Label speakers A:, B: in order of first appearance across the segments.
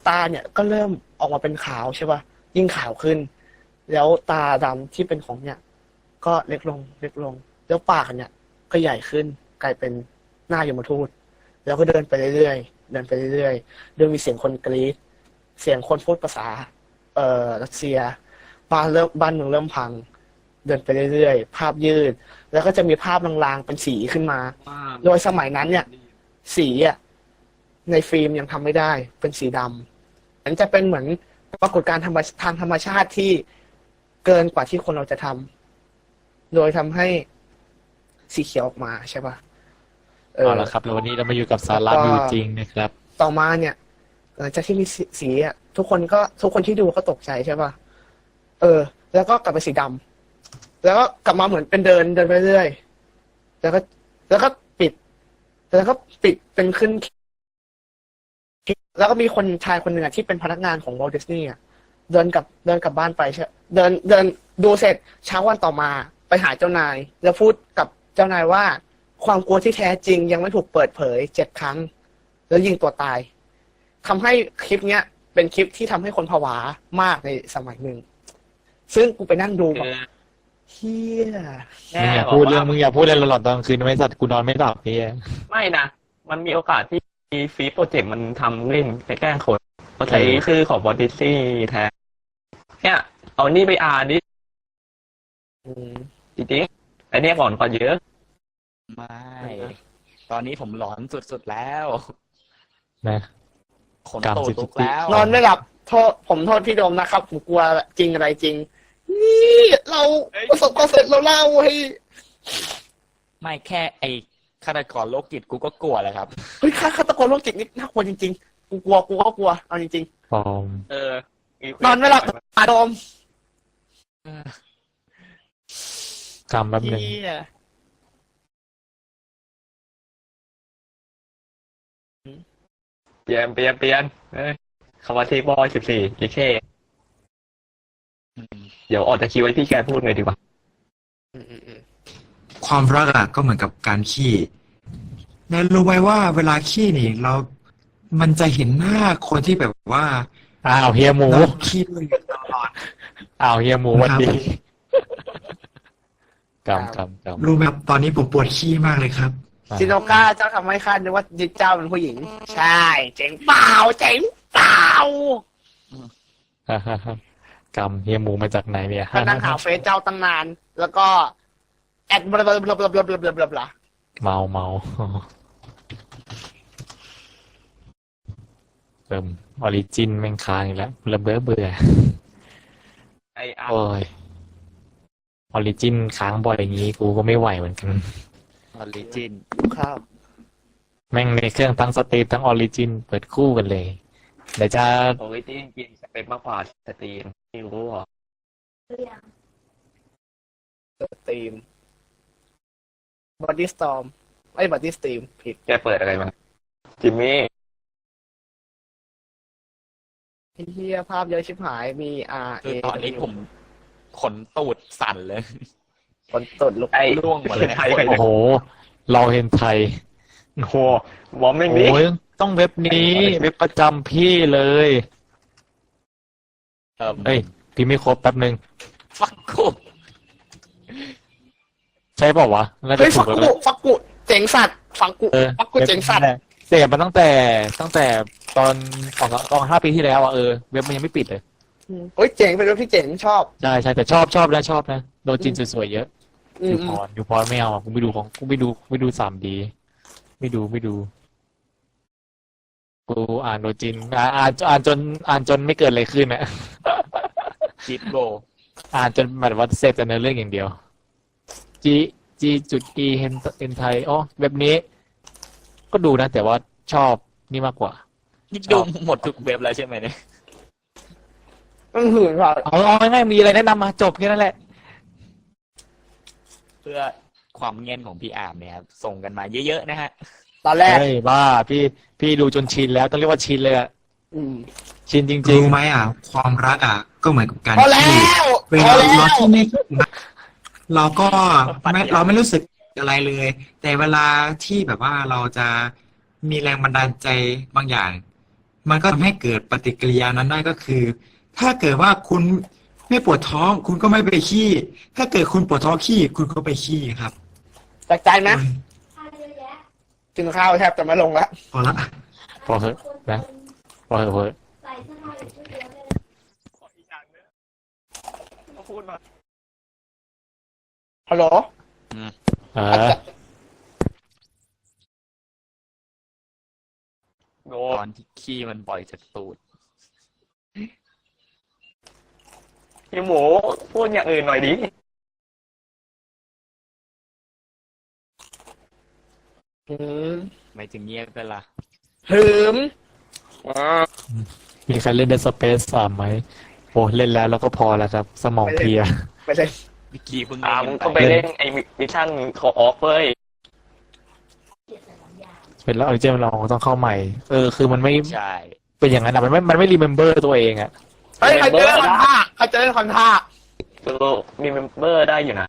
A: ตาเนี่ยก็เริ่มออกมาเป็นขาวใช่ป่ะยิ่งขาวขึ้น แล้วตาดำที่เป็นของเนี่ย ก็เล็กลงเล็กลง แล้วปากเนี่ย ก็ใหญ่ขึ้นกลายเป็นหน้ายมทูตแล้วก็เดินไปเรื่อยๆเดินไปเรื่อยๆเดินมีเสียงคนกรี๊ดเสียงคนพูดภาษารัสเซียบ้านเมืองเริ่มพัง เดินไปเรื่อยๆภาพยืด แล้วก็จะมีภาพลางๆเป็นสีขึ้นมา โดยสมัยนั้นเนี่ย สีอ่ะในฟิล์มยังทำไม่ได้เป็นสีดำมันจะเป็นเหมือนปรากฏการณ์ทางธรรมชาติที่เกินกว่าที่คนเราจะทำโดยทำให้สีเขียวออกมาใช่ป่ะ
B: เอาละครับแล้ววันนี้เรามาอยู่กับสาระวิวจริงนะครับ
A: ต่อมาเนี่ยหลังจากที่มีสีอ่ะทุกคนที่ดูก็ตกใจใช่ป่ะแล้วก็กลับไปสีดำแล้วก็กลับมาเหมือนเป็นเดินไปเรื่อยแล้วก็ปิดเป็นขึ้นแล้วก็มีคนชายคนหนึ่งที่เป็นพนักงานของวอลต์ดิสนีย์เดินกลับบ้านไปใช่เดินดูเสร็จเช้าวันต่อมาไปหาเจ้านายแล้วพูดกับเจ้านายว่าความกลัวที่แท้จริงยังไม่ถูกเปิดเผย7 ครั้งแล้วยิงตัวตายทำให้คลิปเนี้ยเป็นคลิปที่ทำให้คนผวามากในสมัยหนึ่งซึ่งกูไปนั่งดูแบบเฮีย
B: มึงอย่าพูดเรื่องหลอนๆตอนกลางคืนไม่สัตว์กูนอนไม่หลับพี่
C: ไม่นะมันมีโอกาสที่ฟีโปรเจกต์มันทำเล่นไปแกล้งคนเขาใช้ชื่อของบอดี้ซี่แทนเนี่ยเอานี่ไปอ่านดิจริงๆอันนี้ก่อนเยอะ
D: ไม่ตอนนี้ผมหลอนสุดๆแล้ว
B: นะ
D: ขนตูดลุกแล้ว
A: นอนไม่หลับผมโทษพี่โดมนะครับผมกลัวจริงอะไรจริงนี่เราประสบความสำเร็จเราเล่าให้
D: ไม่แค่ไอ้ฆาตกรโรคจิตกูก็กลัวแล้วครับ
A: เฮ้ยฆาตกรโรคจิตนี่น่ากลัวจริงๆกูก็กลัวเอาจริง
B: ๆปอม
A: นอนไม่หลับโดม
B: กำแบบนึง
C: เปลี่ยนคำว่าที่บอย14อีเคเดี๋ยวออกจากคิวไว้พี่แกพูดเลยดีกว่า
E: ความรักอ่ะก็เหมือนกับการขี้นายรู้ไหมว่าเวลาขี้นี่มันจะเห็นหน้าคนที่แบบว่า
B: เฮียหมู
E: ขี้ด้วยตลอด
B: เฮียหมูวันดีกำ
E: รู้ไหมครับตอนนี้ผมปวดขี้มากเลยครับ
A: ซิโนก้าเจ้าทำให้ข้านึกว่าเจ้าเป็นผู้หญิงใช่เจ๋งเปล่
B: ากำเฮียหมูมาจากไหนเนี่ย
A: ก็นั่งหาเฟซเจ้าตั้งนานแล้วก็แอดบลา
B: เมาเติมออริจินแม่งค้างอีกแล้วเบื่อโอ้ยออริจินค้างบ่อยอย่างงี้กูก็ไม่ไหวเหมือนกัน
D: ออริจิน
A: ครับ
B: แม่งในเครื่องทั้งสตรีมทั้งออริจินเปิดคู่กันเลยเดี๋ยวจะ
C: ออริจินกินเป็นมากกว่าสตรีมไม่รู้หรอ
A: สตรีมบอดี้สตอร์มบอดี้สตรีมผิด
C: แกเปิดอะไรมาจิมมี่
A: เฮียภาพเยอะชิบหายมี
D: คือตอนนี้ผมขนตูดสั่นเลย
A: ขนตูดลุก
D: ร่วงหมดเลย
B: โอ้โหเราเห็นไทย
C: โอ้โหมองไม่ดี
B: ต้องเว็บนี้เว็บประจำพี่เลยพี่ไม่ครบแป๊บนึง
D: ฟักกู
B: ใช่เปล่าวะ
A: เฮ้ยฟักกูเจ๋งสัตว์ฟักกูเจ๋งสัตว์
B: เสพมาตั้งแต่ตอน5 ปีที่แล้วเว็บมันยังไม่ปิดเลย
A: เฮ้ยเจ๋งเป็นเว็บที่เจ๋งชอบ
B: ใช่แต่ชอบนะโดนจีนสวยๆเยอะอยู่พอไม่เอากูไม่ดู3D ไม่ดูกูอ่านโดนจีนอ่านจนไม่เกิดอะไรขึ้นนะ
D: จิตโบ
B: อ่านจนแบบว่าเสพแต่เนื้อเรื่องอย่างเดียวG.E เห็นไทยเว็บนี้ก็ดูนะแต่ว่าชอบนี่มากกว่า
D: นี่ดูหมดทุกเว็บแล้วใช่ไหมเนี่ย
A: หื่นว่ะ
B: เอาง่ายๆมีอะไรแนะนำมาจบแค่นั้นแหละ
D: เพื่อความเงียบของพี่อาร์มเนี่ยครับส่งกันมาเยอะๆนะฮะ
A: ตอนแรก
B: บ้าพี่ดูจนชินแล้วต้องเรียกว่าชินเลยชินจริงๆ
E: รู้ไหมความรักก็เหมือนกับการที่เวลาเราที่ไม่เราไม่รู้สึกอะไรเลยแต่เวลาที่แบบว่าเราจะมีแรงบันดาลใจบางอย่างมันก็ทำให้เกิดปฏิกิริยานั้นได้ก็คือ ถ้าเกิดว่าคุณไม่ปวดท้อง คุณก็ไม่ไปขี้ ถ้าเกิดคุณปวดท้องขี้คุณก็ไปขี้ครับ
A: จากใจไหมกินข้าวแทบจะไม่ลงแล้ว
E: พอละ
B: พอเหอะนะพอเหอะพอเหอะ
C: ขออีกอย่างนึงมาพูดมา
A: ฮัลโหล
B: เออ
C: โด
D: ตอนที่ขี้มันปล่อยจากตูด
C: พี่หมูพูดอย่างอื่นหน่อยดิ
A: หืม
D: ไม่ถึงเงียบไปละ
A: หืม
B: มีใครเล่น Dead Space 3ไหมโอ้เล่นแล้วก็พอแล้วครับ สมองเพลีย
A: ไปเลย
D: เมื่อกี้เพิ่ง
C: มึง
D: เล่
C: ก็
D: น
C: ไปเล่นไอ้มิชชั่นขอออฟเว้ย
B: เป็นแล้วออริจินเราต้องเข้าใหม่ คือมันไม่
D: ใช่
B: เป็นอย่างนั้นอะมันไม่รีเมมเบอร์ตัวเองอะ
A: เฮ้ยใครจะเล่นคอนท่าใครจะเล่นคอนท่า
C: มีเมมเบอร์ได้อยู่นะ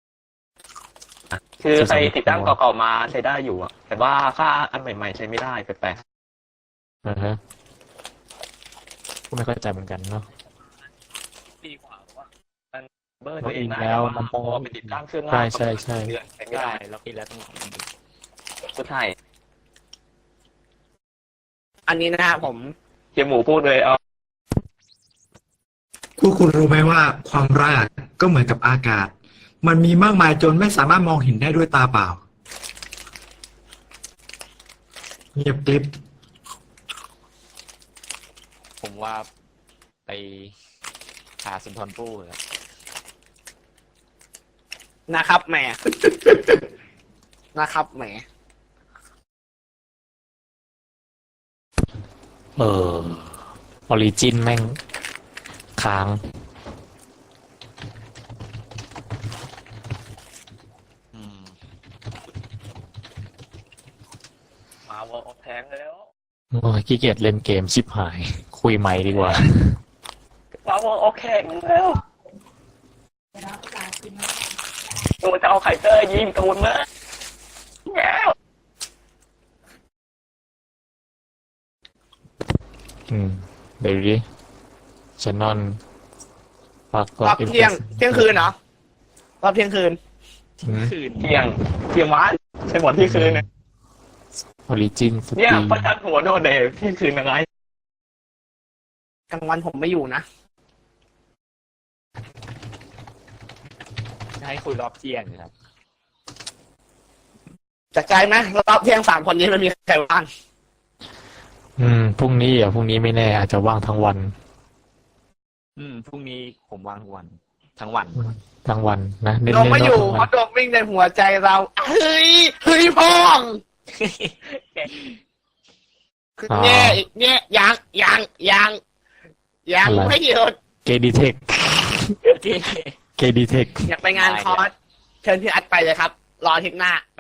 C: คือใครติดตั้งเก่าๆมาใช้ได้อยู่อะแต่ว่าค่าอันใหม่ๆใช้ไม่ได้แปลก
B: ฮะก็ไม่เข้าใจเหมือนกันเนาะ
C: ๆดีกว่าว่ามันเบอร์ตัวเองได้
B: แล้วมันต้อง
C: เพราะว่าไปติดตั้งเครื่อง
B: ใช่ใช่ใช่
C: เดือนใช้ไม่
D: ใช่
C: ได้
D: แล้วพี่แล้วต้อง
C: สุดท้าย
A: อันนี้นะฮะผม
C: เฮียหมูพูดเลยเอา
E: พวกคุณรู้ไหมว่าความรักก็เหมือนกับอากาศ มันมีมากมายจนไม่สามารถมองเห็นได้ด้วยตาเปล่า เงียบกริบ
D: ผมว่าไปหาสุนทรภู่ครับ
A: นะครับแหม นะครับแหม
B: ออริจินแม่งค้าง
D: อืม
C: มาวอลแทงแล้ว
B: โอ้ยขี้เกียจเล่นเกมชิบหาย คุยใหม่ดีกว่า
C: มาวอลแข่งแล้วตูจะเอาไคเตอร์ยิงตูนมาแล้ว
B: เดี๋ยวดิชนอนปัก
A: รอบเที่ยงคืนเหรอรอบเที่ยงคืน
D: คืน
C: เที่ยงวันใช่หมดที่คืนเนี่ย
B: ออริจินส
C: เนี่ย
B: ตรีม
C: ประจันหัวโดนเดย์ที่คืนยังไง
A: กลางวันผมไม่อยู่นะ
D: จะให้คุยรอบเที่ยงครับ
A: จากใจไหมรอบเที่ยง3 คนนี้มันมีใครว่าง
B: พรุ่งนี้ไม่แน่อาจจะว่างทั้งวัน
D: พรุ่งนี้ผมว่างทุกวัน ทั้งวัน
B: ทั้งวันนะเน้น
A: โดมไม่อยู่
B: ทั้ง
A: เพ
B: วัน
A: ราะโดมวิ่งในหัวใจเราเฮ้ยพ่องคือเนี่ยยังไม่หยุด
B: เกดีเทค
D: โอเค
B: เกดีเทค
A: อยากไปงานคอร์สเชิญพี่อัดไปเลยครับ รออาทิตย์หน้าไป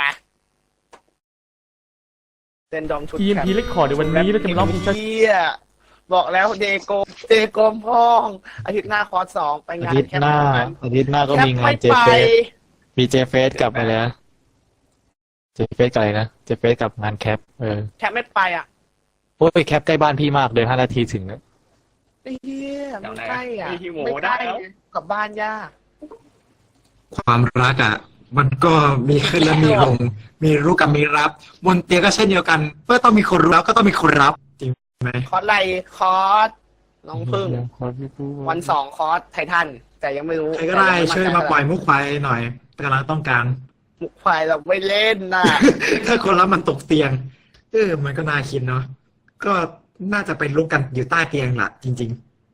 A: เต้นดอมชุด
F: EMP เล็กคอร์ดในวันนี้เราจะมาร้องเพลงช้า
A: เหี้ยบอกแล้วเดโกมพ่อง อาทิตย์หน้าคอร์ส2ไปงาน
B: อาทิตย์หน้าก็มีงานเจ
A: แคป
B: เฟ
A: ไม่
B: ส
A: ไป
B: มีเจเฟสกับอะไรนะเจเฟสกับอะไรนะเจเฟสกับงานแคป
A: แคปไม่ไปอ่ะ
B: โอ้ยแคปใกล้บ้านพี่มากเดิน5 นาทีถึงอะ
A: ไอ้เหี้ยไม่ใกล้อ่ะ
C: ที่หมู
A: ไม่ใก
C: ได้
A: ล้
C: แล้ว
A: กลับบ้านยาก
E: ความรักมันก็มีขึ้นและมีลง มีรู้กับมีรับบนเตียงก็เช่นเดียวกันเมื่อต้องมีคนรู้แล้วก็ต้องมีคนรับ จริงไหม
A: คอร์สอะไรคอร์สน้องพึ่ง วัน 2 คอร์สไททัน แต่ยังไม่รู้
E: ใครก็ได้ช่วยมาปล่อยมุกควายหน่อยกำลังต้องการ
A: มุกควายเราไม่เล่นนะ
E: ถ้าคนรับมันตกเตียงมันก็น่าคิดเนาะก็น่าจะเป็นลูกกันอยู่ใต้เตียงล่ะ จริง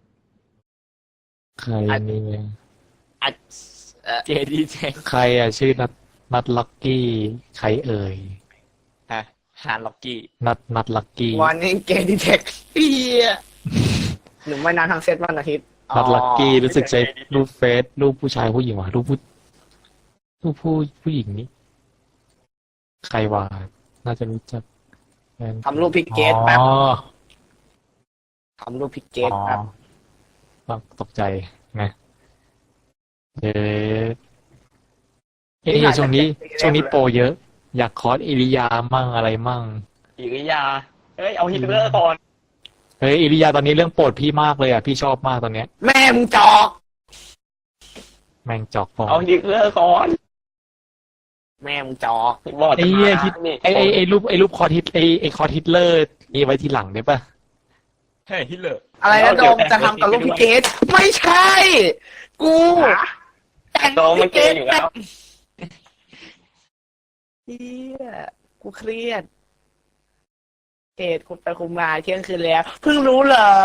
B: ใครนี่
A: อัด
D: เจดีเจ
B: ใครอะชื่อนัดลักกี้ใครเอ่ย
D: ฮะฮานล็อกกี้
B: นัดลักกี้
A: วันนี้เกมดีเทคเฮียหนุ่มว่ายน้ำทางเซตวันอาทิตย์
B: นัดลักกี้รู้สึกใช้รูปเฟซรูปผู้ชายผู้หญิงวะรูปผู้หญิงนี่ใครวะน่าจะรู้จัก
A: ทำรูปพิกเกตแป๊บ
B: อ๋อ
A: ทำรูปพิกเกต
B: อ๋อ
A: แป๊บ
B: ตกใจไงช่วงนี้โปรเยอะ อยากคอร์สอิริยามั่งอะไรมั่ง
C: อิริยาเอ้ยเอาฮิตเลอร์ก่อน
B: เฮ้ยอิริยาตอนนี้เรื่องโปรดพี่มากเลยอ่ะพี่ชอบมากตอนเนี้ย
A: แม่มึงจอก
B: แม่งจอกฟอง
C: เอาดิเลอร์ก่อน
A: แม่มึงจอก
C: บอก
B: ไอ้เหี้ยคิดไอ้รูปคอร์ทิสไอ้คอร์ทิสเลอร์นี่ไว้ทีหลังได้ปะ
D: เฮ้ยฮิตเลอร์
A: อะไรนะโดมจะทำกับลูกพี่เกดไม่ใช่ กูแต่ง
C: โดมมันเกย์อยู่แล้ว
A: เฮียกูเครียดเกดคุมไปคุมมาเที่ยงคืนแล้ว เพิ่งรู้เหรอ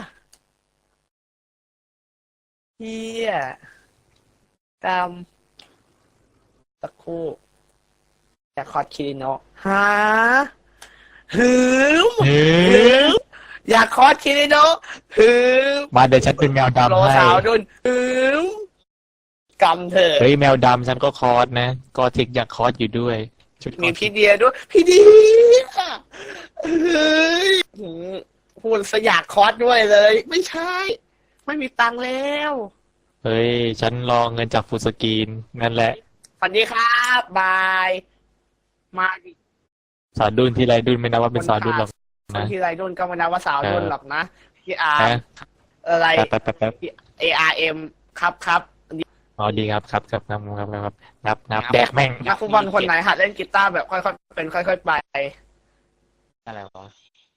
A: เฮียตามตะคู่อยากคอดคิริโนะฮะหืม
B: เฮ้
A: หื
B: ย
A: มอยากคอดคิริโนะหืม
B: มาเดี๋ยวฉันเป็นแมว
A: โล
B: ดำให้
A: สาวดุนหืมกำเถอะ
B: เฮ้ยแมวดำฉันก็คอร์สนะก็เทคอยากคอร์สอยู่ด้วยชุดคอ
A: มี
B: ร์ส
A: พี่เดียด้วย พี่เดียเฮ้ยพูดสยากคอร์สด้วยเลย ไม่ใช่ ไม่มีตังค์แล้ว
B: เฮ้ยฉันรอเงินจากฟูลสกรีนนั่นแหละ
A: สวัสดีครับบาย มาดิ
B: สาวดุนที่ไรดุนไม่นับว่าเป็นสาวดุนหรอก นะ
A: พี่ไรดุนก็ไมานับว่าสาวดุนหรอกนะพี่อาร์
B: ฮะ
A: อะไร
B: แป๊บ
A: ARM ครับครับ
B: อ๋อดีครับนับแดกแม่ง
A: นักฟุตบอลคนไหนหัดเล่นกีตาร์แบบค่อยๆเป็นค่อยๆไป
D: อะไรวะ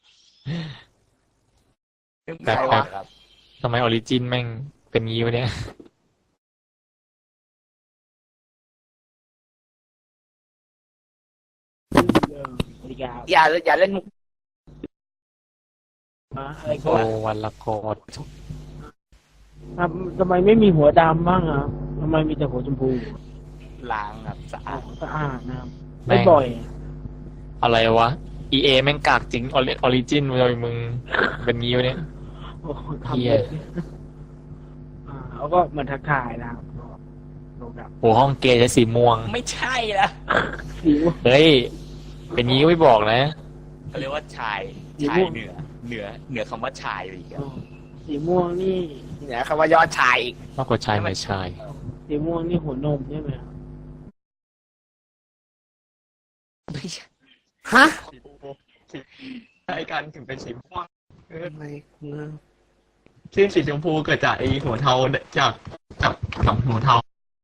B: แป๊บ
A: ใครวะ
D: ครับ
B: ทำไมออริจินแม่งเป็นงี้วะเนี่ย
A: อย่าเล่นมุก
F: อะไรก็
B: โอ้วันละโกด
F: ทำไมไม่มีหัวดำบ้างอ่ะทำไมมีแต่หัวชมพู
D: ล้างครับสะอาด
F: สะอาดนะครับไม่บ่อย
B: อะไรวะ EA แม่งกากจริงออริจินเลยมึงเป็นงี้วะเนี่ย
F: โอ้โห
B: เหี้
F: ทำ
B: ย
F: เลยเขาก็เหมือนทักทายนะครับโลดับ
B: โอ้ห้องเกย์ใช้สีม่วง
D: ไม่ใช่ละ
F: สีม่วง
B: เฮ้ย เป็นงี้ก็ไม่บอกนะ
D: เขาเรียกว่าชาย
F: สี
D: ชาย
F: ม่วง
D: เหนือคำว่าชายไปอีกอะ
F: สีม่วงนี่
A: เนี่ยคำว่ายอดชายอีก
B: มากกว่าชายไม่ชาย
F: สีม่วงนี่หัวนมใช่ไหมครับ
A: ฮะ
C: ใช่กันถึงเป็นสีม่วง
A: ทำไมกู
C: ซึ่งสีชมพูเกิดจากไอหัวเทาจากหัวเทา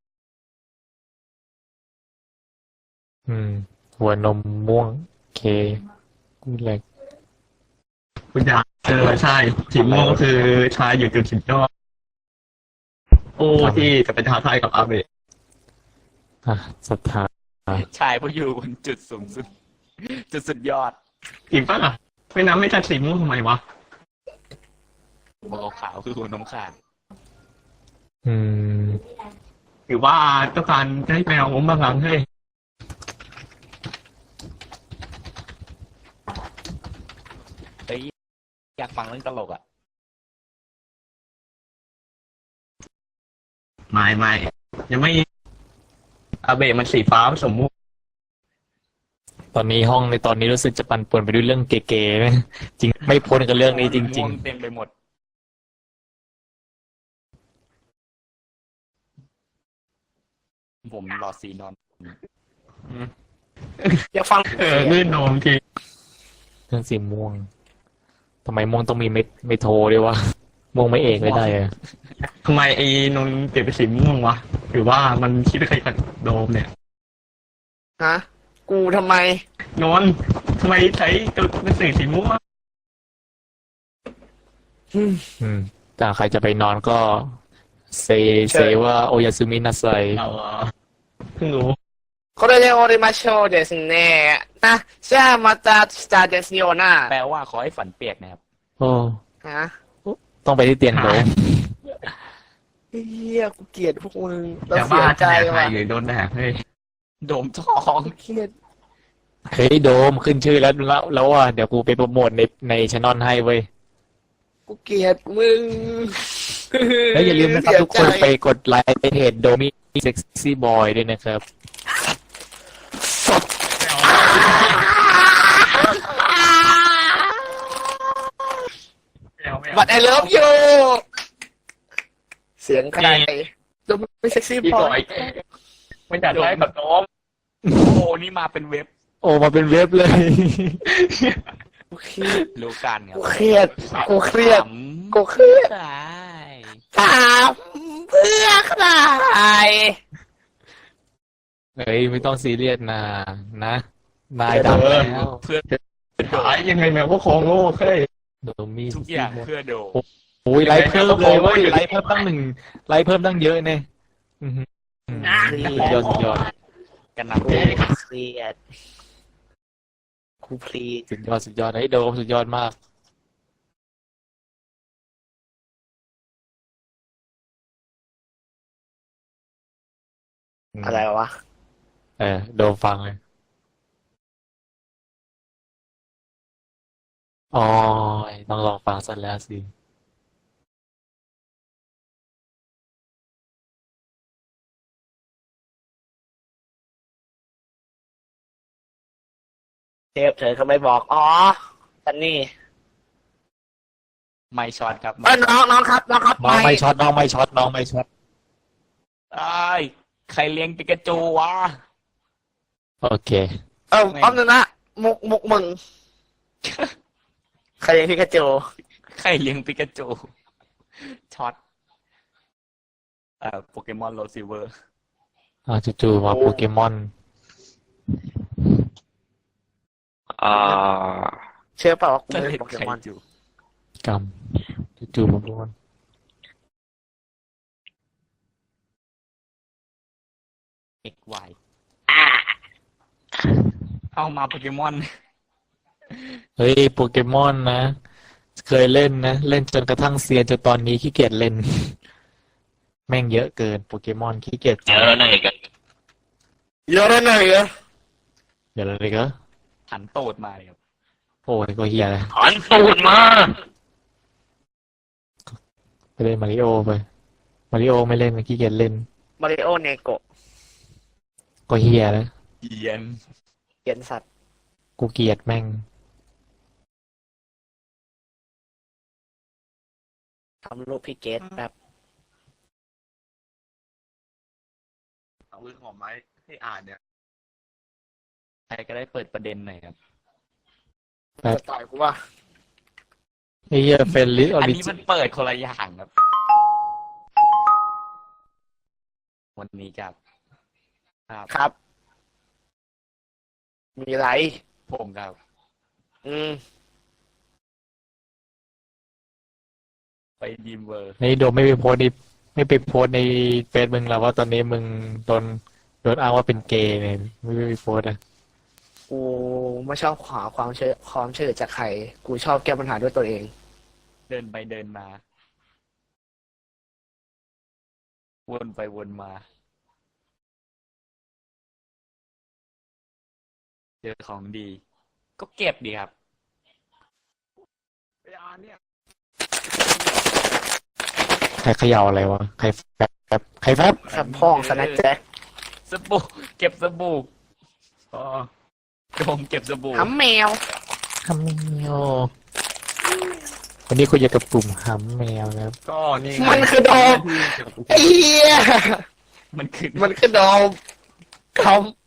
B: หัวนมม่วงเคกูเล็ก
C: คุณยายใช่สีม่วงก็คือชายอยู่จุดสุดยอดโอ้ที่จะเป็นท้าทายกับอาเบะ
B: อ่ะศรัทธา
D: ชายผู้อยู่บนจุดสูงสุด จุดสุดยอด
C: จริงปะล่ะไม่น้ำไม่จัดสีม่วงทำไมวะ
D: หัวขาวคือหัวนมขาด
B: อืม
C: หรือว่าต้องการให้แมวผมบางครั้งให้
D: เฮ้ยอยากฟังเรื่องตลกอ่ะ
C: ไม่ยังไม่อาเบะมันสีฟ้าผสมม่วง
B: ตอนนี้ห้องในตอนนี้รู้สึกจะปั่นป่วนไปด้วยเรื่องเก๋ๆนะจริงไม่พ้นกับเรื่องนี้จริง
D: ม่วเต็มไปหมด ผมรอสีนอน
A: อยากฟัง
C: ลื่นโนมที
B: ๆ เรื่องสีม่วงทำไมม่วงต้องมีไม่โทรด้วยวะม่วงไม่เอกไม่ได้อะ
C: ทำไมไอ้นนท์เปลี่ยนเป็นสีม่วงวะหรือว่ามันคิดใครกับโดมเนี่ย
A: ฮะกูทำไม
C: นนท์ทำไมใช้ตัวเป็นสีม่วง
B: แต่ใครจะไปนอนก็เซว่าโอยาซึมินาไซ
C: เราเพิ่งรู้
A: これで終わりましょうですね。あ、じゃあまた明日ですよな。
D: แปลว่าขอให้ฝันเปียกนะครับ
B: โอ้
A: ฮะ
B: ต้องไปที่เตียงโดม
A: เฮียกูเกลียดพวกมึงเรา
C: แต่
A: เสี
C: ว่าย
A: ใจ
C: จะแดกใคร
A: ว่ะ
C: หรือโดนแดกเฮ้ย
D: โดมท้อง
A: เครียด
B: เฮ้ยโดมขึ้นชื่อแล้วว่าเดี๋ยวกูไปโปรโมทในช anel ให้เว้ย
A: กูเกลียดมึง
B: แล้วอย่าลืมนะครับทุกคนไปกดไลค์เพจโดมิเซ็กซี่บอยด้วยนะครับ
A: บัตรไอเลิฟยูเสียงใครดูไม่เซ็กซี่
C: อีก
A: พอ
C: หน่อยไม่จัดได้กับโดม
D: โอ้โหนี่มาเป็นเว็บ
B: โอ้มาเป็นเว็บเลย
A: กูเครียด
D: รู้กันครับ
A: กูเครียดกูเครียด
D: ถาม
A: กูเครียด
D: ได้
A: ถามเพื่อใคร
B: เฮ้ยไม่ต้องซีเรียสนะนายดังแล้ว
D: เพื่อ
C: หายยังไงแมวก็ของโง่เฮ้ย
B: โดมี
D: ทุกอย่างเพื่อโด
B: โอ้ยไลฟ์เพิ่มเลยเว้ยไลฟ์เพิ่มตั้งไลฟ์เพิ่มตั้งเยอะเนี่ยอื้อหือสุดยอดสุดยอด
D: กันน
A: กูเครียดกูเพลีย
B: สุดยอดไอ้โดมสุดยอดมาก
A: อะไรวะ
B: โดมฟังเลยอ๋อต้องลองฟังสักแล้วสิ
A: เทปเธอเขาไม่บอกอ๋อซันนี่
D: ำไม่ช็อตครับ
A: น้องครับน้องครับ
B: น้องไม่ช็อตน้องไม่ช็อตน้องไม่ช็อต
D: ไอ้ยใครเลี้ยงปิกาจูวะ
B: โอเค
A: แป๊บนึงนะมุกมึงใครเลี้ยงพิกาจู
D: ใครเลี้ยงปิกาจูช็อตโปเกมอนโรซิเวอร์
B: จู่ๆมาโปเกมอน
A: เชื่อเปล่าว่ากู
D: จะ
A: เล่
D: เล่
A: น
D: น
A: โปเก
D: ใคร
A: มอน
D: จู
B: กรรมจู่ๆมาโปเกมอน
D: XY เอามาโปเกมอน
B: เฮ้ยโปเกมอนนะ เคยเล่นนะ เล่นจนกระทั่งเซียนจนตอนนี้ขี้เกียจเล่น แม่งเยอะเกินโปเกมอนขี้เกียจ
C: เยอะหน่อยกัน
A: เยอะเลยเหรอ
B: เดี๋ยวอะไรก็
D: หันโตดมาเลยครับ
B: โอ้ยก็เฮียเลย
C: หันตูดมา
B: ไปเล่นมาริโอไปมาริโอไม่เล่นขี้เกียจเล่น
A: มาริโอเนโกะ
B: ก็เฮียแล้ว
D: เยียน
A: เขียนสัตว์
B: กูเกลียดแม่ง
A: ทำรูปพี่เกตแบบ
C: เอามือของไม้ให้อ่านเนี่ย
D: ใครก็ได้เปิดประเด็นหน่อยครับ
A: จะต่อยกูว่า
B: ไอ้เหี้ยเฟรนลิออ
D: อัน
B: ริ
D: นี้
B: จิ
D: มันเปิดคนละอย่างครับ วันนี้ครับ
A: ครับ มีไร
D: ผมครับ
A: อืม
D: ไปยิมเวอร์
B: ไอ้โดมไม่ไปโพสต์ในไม่ไปโพสต์ในเฟซมึงแล้วว่าตอนนี้มึงโดนอ้างว่าเป็นเกย์เนี่ยไม่ไปโพสต์อ่ะ
A: กูไม่ชอบขอความช่วยเหลือจากใคร กูชอบแก้ปัญหาด้วยตัวเอง
D: เดินไปเดินมา วนไปวนมา เจอของดี ก็เก็บดีครับ
C: ไปอ่านเนี่ย
B: ใครเขย่าอะไรวะใครแฟบใครแฟบ
A: ครับพ่องสแน็คแจ็ค
D: สบู่เก็บสบู่
C: อ๋อ
D: โดมเก็บสบู่
A: หำแมว
B: ฮัมแมววันนี้คุยกับกลุ่มฮัมแมวนะครับ
C: ก็นี่
A: มันคือโดม ไอ้เหี้ย
D: มันคือ
A: มันคือโดมค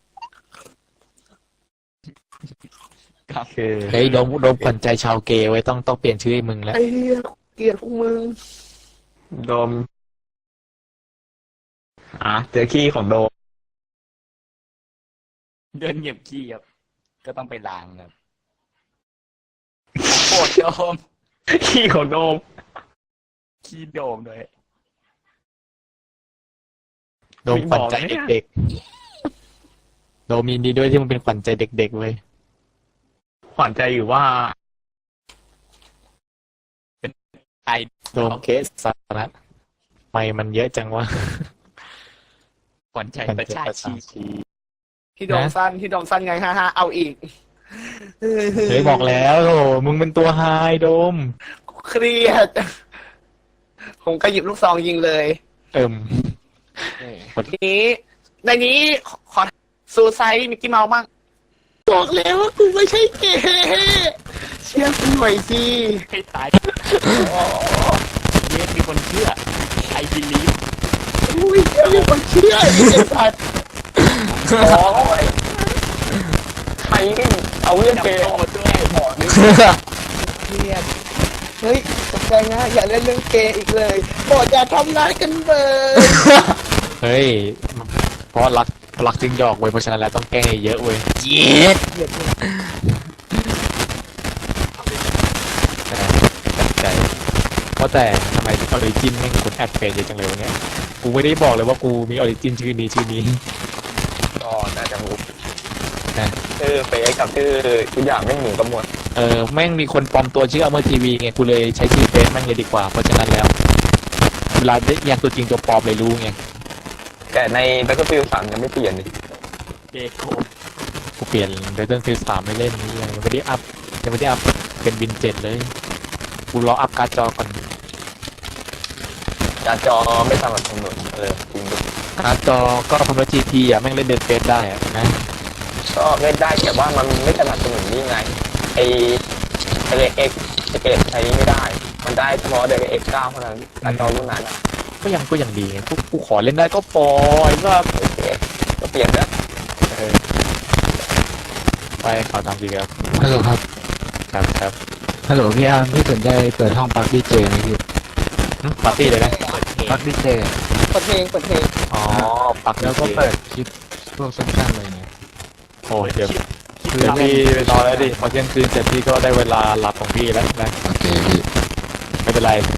D: ครับ
C: คือ
B: เฮ้ยโดมขวัญใจชาวเกย์ไว้ต้องเปลี่ยนชื่อให้มึง
A: ำ
B: แล้ว
A: ไอ้เหี้ยเกลียดพวกมึง
C: โดมเจอขี้ของโดม
D: เดินเหยียบขี้ครับ ก็ต้องไปล้างครับโคตรโดม
C: ขี้ของโดม
D: ขี้โดมด้วย
B: โดมขวัญใจเด็กๆโดมยินดีด้วยที่มึงเป็นขวัญใจเด็กๆเว้ย
C: ขวัญใจอยู่ว่า
D: ไอ
B: โดมเคสสาระไม่มันเยอะจังวะ
D: ขวัญใจประชาชี
A: ที่โดมสั้นไงฮ่าเอาอีก
B: เฮ้ยบอกแล้วโหมึงเป็นตัวไฮโดม
A: กูเครียด ผมก็หยิบลูกซองยิงเลย
B: เอิ่ม
A: ทีนี้ในนี้ขอซูไซด์มิกกี้เมาส์บ้างบอกแล้วว่ากูไม่ใช่เกย์เชื่อกูหน่อยสิ
D: ให้ตายเยสมีคนเชื่อไอบิลีฟ
A: อุ้ยเชื่อมีคนเชื่อไอ้สัตว์โอ้ยใครเอาเรื่องเกย์
D: โตด้วย
A: เครียดเฮ้ยตกใจนะอย่าเล่นเรื่องเกย์อีกเลยบอกอย่าทำร้ายกันเลย
B: เฮ้ยเพราะรักจึงหยอกเว้ยเพราะฉะนั้นแล้วต้องแกล้งให้เยอะเว้ย
D: เย็ด
A: เกลียดเลย
B: ใจเพราะแต่ทำไมออริจินแม่งคนแอดเฟซเยอะจังเลยวะเนี่ยกูไม่ได้บอกเลยว่ากูมีออริจินชื่อนี้
C: ก็น่าจะรู้
B: นะ
C: ชื่อเฟซกับชื่อทุกอย่างไม่เหมือนกันหมด
B: แม่งมีคนปลอมตัวชื่ออเมอร์ทีวีไงกูเลยใช้ชื่อเฟซแม่งเลยดีกว่าเพราะฉะนั้นแล้วเวลาได้ยังตัวจริงตัวปลอมเลยรู้ไง
C: แต่ใน Battlefield 3ยังไม่เปลี่ยนนี่
D: เกโก
B: กูเปลี่ยนเดนฟิล3ไม่เล่นนี่ยังไม่ได้อัพเป็นวินเจ็ดเลยกูรออัพการ์ดจอก่อน
C: การจอไม่สามารถกำหนดจริงด้วย
B: การ์ดจอก็คอมพิวเตอร์ GT อ่ะแม่งเล่นเดนเฟซได้อ่ะนะ
C: ก็เล่นได้แต่ว่ามันไม่สนับสนุนนี่ไงไอเอ็กใช้ไม่ได้ มันได้เฉพาะเดเอ็ก9เท่านั้นการจอรุ่นนั้นอะ
B: ก็ยังดีไงกูขอเล่นได้ก็ปล่อยว่า
C: โอเคก็เปลี่ยนแล้ว
B: ไปข่าวตามดีครับ
E: ฮัลโหลครับ
B: ครับ
E: ฮัลโหลพี่อาร์มพี่สนใจเปิดห้องปักดีเจไหมพี่
B: ปาร์ตี้เลยนะ
D: เปิดเพลง
E: ปักดีเจ
A: เปิดเพลง
B: อ๋อปัก
E: แล้วก็เปิดคลิปพวกสั้นๆอะไรเงี้ย
B: โอ้ยเดี๋ยวพี่ไปนอนแล้วดิพอเที่ยงคืนเสร็จพี่ก็ได้เวลาหลับของพี่แล้วนะ
E: โอเคพี่
B: ไม่เป็นไร